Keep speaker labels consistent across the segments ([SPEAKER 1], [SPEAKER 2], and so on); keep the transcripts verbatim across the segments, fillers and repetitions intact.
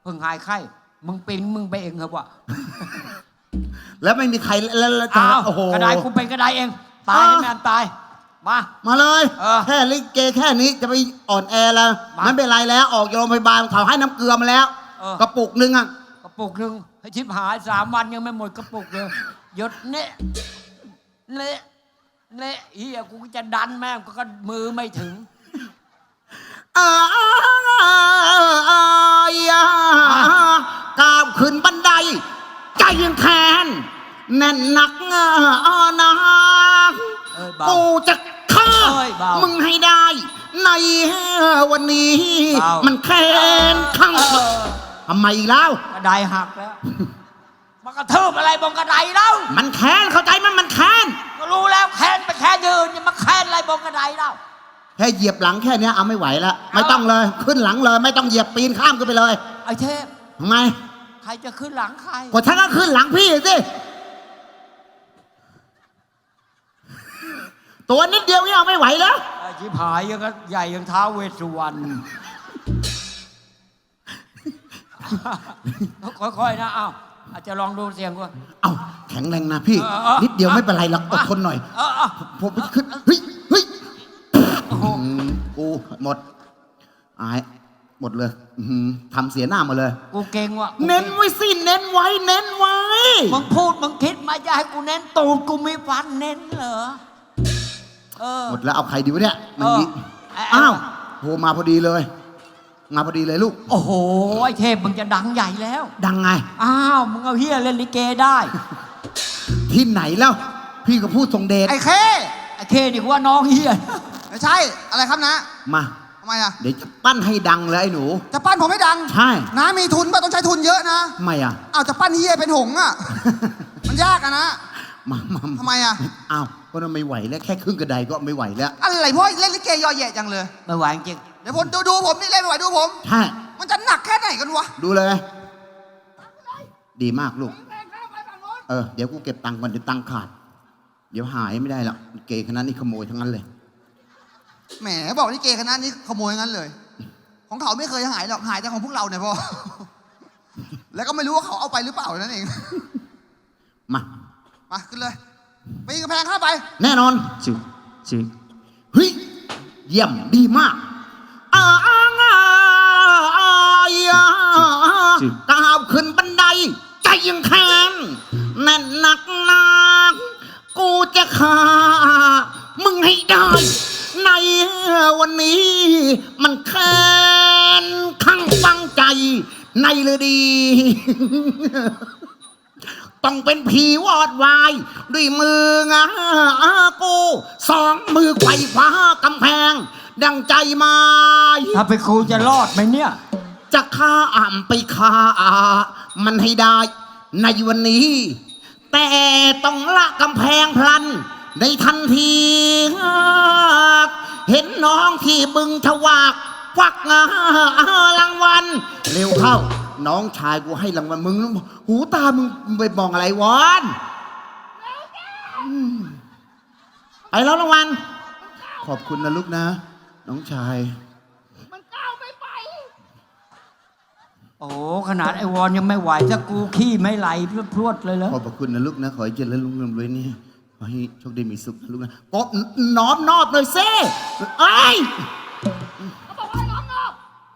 [SPEAKER 1] พิ่งหายไข้มึงเป็นมึงไปเองเหรอวะ
[SPEAKER 2] แล้วไม่มีใครแล้ว
[SPEAKER 1] อ้าวโอ้โหกระไดกูเป็นกระไดเองตายให้แม่ตายมา
[SPEAKER 2] มาเลย
[SPEAKER 1] เออ
[SPEAKER 2] แค่ลิเกแค่นี้จะไปอ่อนแอแล้วไม่เป็นไรแล้วออกโรงพยาบาลเขาให้น้ำเกลือมาแล้วกระปุกนึงอ่ะ
[SPEAKER 1] กระปุกหนึ่งให้ชิบหายสามวันยังไม่หมดกระปุกเลยหยดเนะเนะเนะเฮียกูจะดันแม่งก็มือไม่ถึง
[SPEAKER 2] อายก้าวขึ้นบันไดใจยังแค้นแน่นหนักนะกูจะฆ่ามึงให้ได้ในวันนี้มันแค้นข้างทำไมอีกแล้ว
[SPEAKER 1] กระไดหักแล้วมันกระทืบอะไรบนกระไดแล้ว
[SPEAKER 2] มันแค้นเข้าใจมันมันแค้น
[SPEAKER 1] ก็รู้แล้วแค้นไปแค้นยืนมาแค้นอะไรบนกระไดแล้ว
[SPEAKER 2] แค่เหยียบหลังแค่นี้เอาไม่ไหวแล้วไม่ต้องเลยขึ้นหลังเลยไม่ต้องเหยียบปีนข้ามกันไปเลย
[SPEAKER 1] ไอ้เทพ
[SPEAKER 2] ทำไม
[SPEAKER 1] ใครจะขึ้นหลังใคร
[SPEAKER 2] ก็ฉันก็ขึ้นหลังพี่สิตัวนิดเดียวนี่เอาไม่ไหวแล้ว
[SPEAKER 1] ไอ้ชิบหายยังก็ใหญ่ยังท้าเวสสุวรรณค่อยๆนะอ้าวอาจจะลองดูเสียงก่อน
[SPEAKER 2] เอ้าแข็งแรงนะพี่นิดเดียวไม่เป็นไรหรอกอดทนหน่อยผมขึ้นเฮ้ยเฮ้ยกูหมดอายหมดเลยทำเสียหน้ามาเลย
[SPEAKER 1] กูเก่งว่ะ
[SPEAKER 2] เน้นไว้สิเน้นไว้เน้นไว้
[SPEAKER 1] มึงพูดมึงคิดมาจะให้กูเน้นตูดกูมีฟันเน้นเหรอ
[SPEAKER 2] หมดแล้วเอาใครดีวะเนี่ยมันดีอ้าวโหมาพอดีเลยมาพอดีเลยลูก
[SPEAKER 1] โอ้โหไอ้เทพมึงจะดังใหญ่แล้ว
[SPEAKER 2] ดังไง
[SPEAKER 1] อ้าวมึงเอาเฮียเล่นลิเกได้
[SPEAKER 2] ที่ไหนแล้วพี่ก็พูดทรงเดช
[SPEAKER 1] ไอ้เคไอ้เคนี่กูว่าน้องเฮีย
[SPEAKER 3] ไม่ใช่อะไรครับนะ
[SPEAKER 2] มา
[SPEAKER 3] ทำไมอ่ะ
[SPEAKER 2] เดี๋ยวจะปั้นให้ดังเลยไอ้หนู
[SPEAKER 3] จะปั้นผมให้ดัง
[SPEAKER 2] ใช่
[SPEAKER 3] น้ามีทุนป่ะต้องใช้ทุนเยอะนะ
[SPEAKER 2] ทำไมอ่ะ
[SPEAKER 3] อ้าวจะปั้นเฮียเป็นหงอ่ะมันยากอะนะ
[SPEAKER 2] มามา
[SPEAKER 3] ทำไมอ่ะ
[SPEAKER 2] อ้าวก็ไม่ไหวแล้วแค่ครึ่งกระไดก็ไม่ไหวแล้ว
[SPEAKER 3] อะไรเพราะเล่นลิเกยอแย่จังเลย
[SPEAKER 1] ไม่ไหวจริง
[SPEAKER 3] เดี๋ยวผมดูดูผมนี่เล่นไม่ไหวดูผม
[SPEAKER 2] ใช่
[SPEAKER 3] มันจะหนักแค่ไหนกันวะ
[SPEAKER 2] ดูเลยดีมากลูกเออเดี๋ยวกูเก็บตังค์ก่อนเดี๋ยวตังค์ขาดเดี๋ยวหายไม่ได้หรอกเกย์คณะนี้ขโมยทั้งนั้นเลย
[SPEAKER 3] แหมบอกลิเกคณะนี้ขโมยงั้นเลยของเขาไม่เคยหายหรอกหายแต่ของพวกเราเนี่ยพ่อแล้วก็ไม่รู้ว่าเขาเอาไปหรือเปล่านั่นเอง
[SPEAKER 2] มา
[SPEAKER 3] มาขึ้นเลยปีนกระแพงข้าไป
[SPEAKER 2] แน่นอน
[SPEAKER 1] จิจิ
[SPEAKER 2] เฮ้ยเยี่ยมดีมากอ้างอ้างก้าวขึ้นบันไดใจยังแข็งแน่นหนักหนักกูจะฆ่ามึงให้ได้ในวันนี้มันแค้นข้างฟังใจในเลยดีต้องเป็นผีวอดวายด้วยมืองากูสองมือไขว่คว้ากำแพงดังใจมา
[SPEAKER 1] ถ้าไปครูจะรอดไหมเนี่ย
[SPEAKER 2] จะฆ่าอ่ำไปฆ่ามันให้ได้ในวันนี้แต่ต้องละกำแพงพลันในทันทีเห็นน้องที่บึงทวากควักรางวัลเร็วเข้าน้องชายกูให้รางวัลมึงหูตามึงไปมองอะไรวอนไปแล้วรางวัลขอบคุณนะลูกนะน้องชาย
[SPEAKER 3] มันก้าวไม่ไป
[SPEAKER 1] โอ้ขนาดไอวอนยังไม่ไหวถ้ากูขี้ไม่ไหลพรวดเลยแล้ว
[SPEAKER 2] ขอบคุณนะลูกนะขอให้เจริญรุ่งเรืองเลยนี่ขอให้โชคดีมีสุขลูกนะกบน้อมนอบเลยเซ่เอ้ย
[SPEAKER 3] เขาบอกว่าน้อมนอบ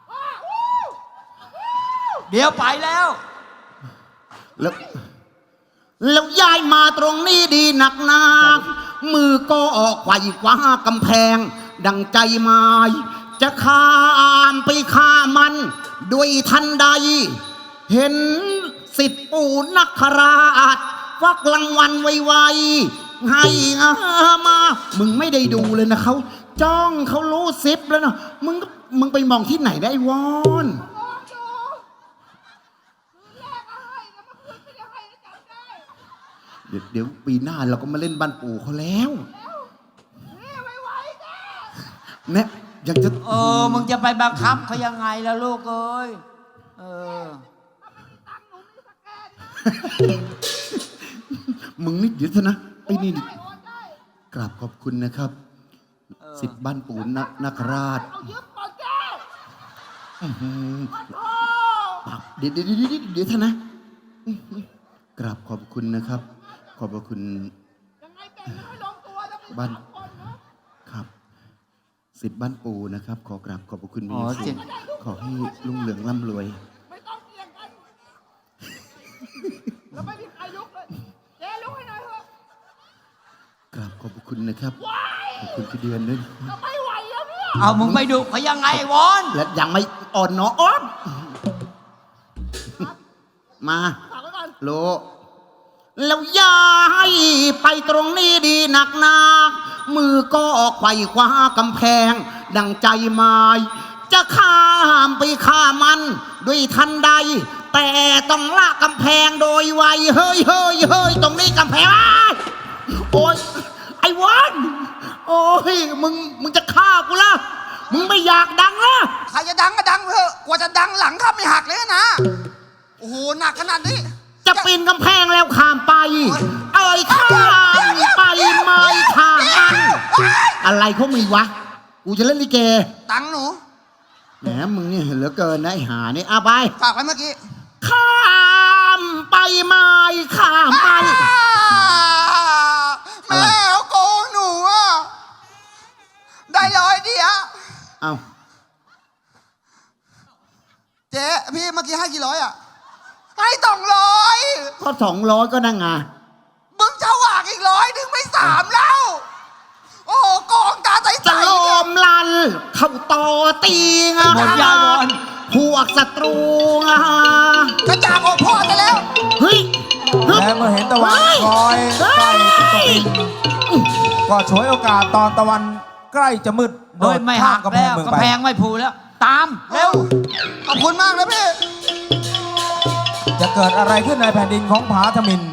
[SPEAKER 1] เดี๋ยวไปแล้ว
[SPEAKER 2] แล้วแล้วย้ายมาตรงนี้ดีหนักหนามือก็ออกไขว่คว้ากำแพงดังใจหมายจะข้ามไปฆ่ามันด้วยทันใดเห็นสิทธิปู่นักคราชฟักรางวัลไวๆให้มามึงไม่ได้ดูเลยนะเขาจ้องเขารู้ซิปแล้วนะมึงมึงไปมองที่ไหนได้วอนเดี๋ยวเดี๋ยวปีหน้าเราก็มาเล่นบ้านปู่เขาแล้วเนี่ยอยากจะ
[SPEAKER 1] เออมึงจะไปบังคับเขายังไงล่ะลูกเอ้ยเออ
[SPEAKER 2] มึงนี่เดี๋ยวนะไอ้นี่กราบขอบคุณนะครับสิทธิ์บ้านปู่นาคราชเดี๋ยวเดี๋ยวเดี๋ยวเดี๋ยวเดี๋ยวท่านนะกราบขอบคุณนะครับ ขอบพระคุณบ้านครับสิทธิ์บ้านปูนะครับ ขอกราบขอบพระคุณมี
[SPEAKER 1] อ๋อ
[SPEAKER 2] สู
[SPEAKER 1] สิ
[SPEAKER 2] ง
[SPEAKER 1] ทธิ์
[SPEAKER 2] ขอให้รุ่งเรืองร่ำรวย
[SPEAKER 4] ไม่ต้องเกี่ยงกัน แล้วไม่มีใครลุกเลย เจ๊ลุกให้หน่อยเถอะ
[SPEAKER 2] กราบขอบพระคุณนะครับขอบคุณพี่เดือนด้วย
[SPEAKER 4] จะไม่ไหวแล้วเนี่ย
[SPEAKER 1] เอามึงไปดูเขายังไงวอน
[SPEAKER 2] และยังไม่อ่อนเนาะอ้อนมา
[SPEAKER 4] ฝากไว้ก่อน
[SPEAKER 2] โลแล้วย้ายไปตรงนี้ดีหนักหนักมือก็ไขว่คว้ากำแพง ดังใจหมาย จะข้ามไปข้ามมันด้วยทันใด แต่ต้องละกำแพงโดยไวเฮ้ยเฮ้ยเฮ้ยตรงนี้กำแพงอ้ายโอ้ยไอ้วันโอ้ยมึงมึงจะฆ่ากูละมึงไม่อยากดังละ
[SPEAKER 3] ใครจะดังก็ดังไปเถอะกว่าจะดังหลังข้าไม่หักเลยนะ โอ้โหหนักขนาดนี้
[SPEAKER 2] จะปีนกำแพงแล้วข้ามไป เอ้ยข้ามไปไม่ข้ามมันอะไรเขามีวะ กูจะเล่นลิเก
[SPEAKER 3] ตังค์หนู
[SPEAKER 2] แหมมึงนี่เหลือเกินนะไอ้หานี่เอาไป
[SPEAKER 3] ฝากไว้เมื่อกี้
[SPEAKER 2] ข้ามไปไม่ข้ามมัน
[SPEAKER 3] แม่เอาโกงหนูอะได้ร้อยเดียว
[SPEAKER 2] เอา
[SPEAKER 3] เจ๊พี่เมื่อกี้ให้กี่ร้อยอะให้สองร้อย
[SPEAKER 2] ก็สองร้อยก็นั่งไง
[SPEAKER 3] มึงจะหวากอีกร้อยถึงไม่สามแล้ว โอ้โหโกงตาใสๆ
[SPEAKER 2] จะโลมลัน เข้าต่อตีงะ
[SPEAKER 1] หมดยาวอน
[SPEAKER 2] พวกศัตรูงะ
[SPEAKER 3] จะจากอกพ่อซะแล้ว
[SPEAKER 2] เฮ้ยฮึบ
[SPEAKER 5] และเมื่อเห็นตะวันคล้อยใกล้จะตกดินก็ฉวยโอกาสตอนตะวันใกล้จะมืดโด
[SPEAKER 1] เฮ้
[SPEAKER 5] ด
[SPEAKER 1] ยไม่
[SPEAKER 5] ข้า
[SPEAKER 1] หั
[SPEAKER 5] ม
[SPEAKER 1] ก
[SPEAKER 5] กำแพ
[SPEAKER 1] แล้
[SPEAKER 5] ง
[SPEAKER 1] ว
[SPEAKER 5] เมือง
[SPEAKER 1] กำ
[SPEAKER 5] ไป
[SPEAKER 1] แพงไม่ผูแล้ว ตามเร็ว
[SPEAKER 3] ขอบคุณมากนะพี่
[SPEAKER 5] จะเกิดอะไรขึ้นในแผ่นดินของผาทมิน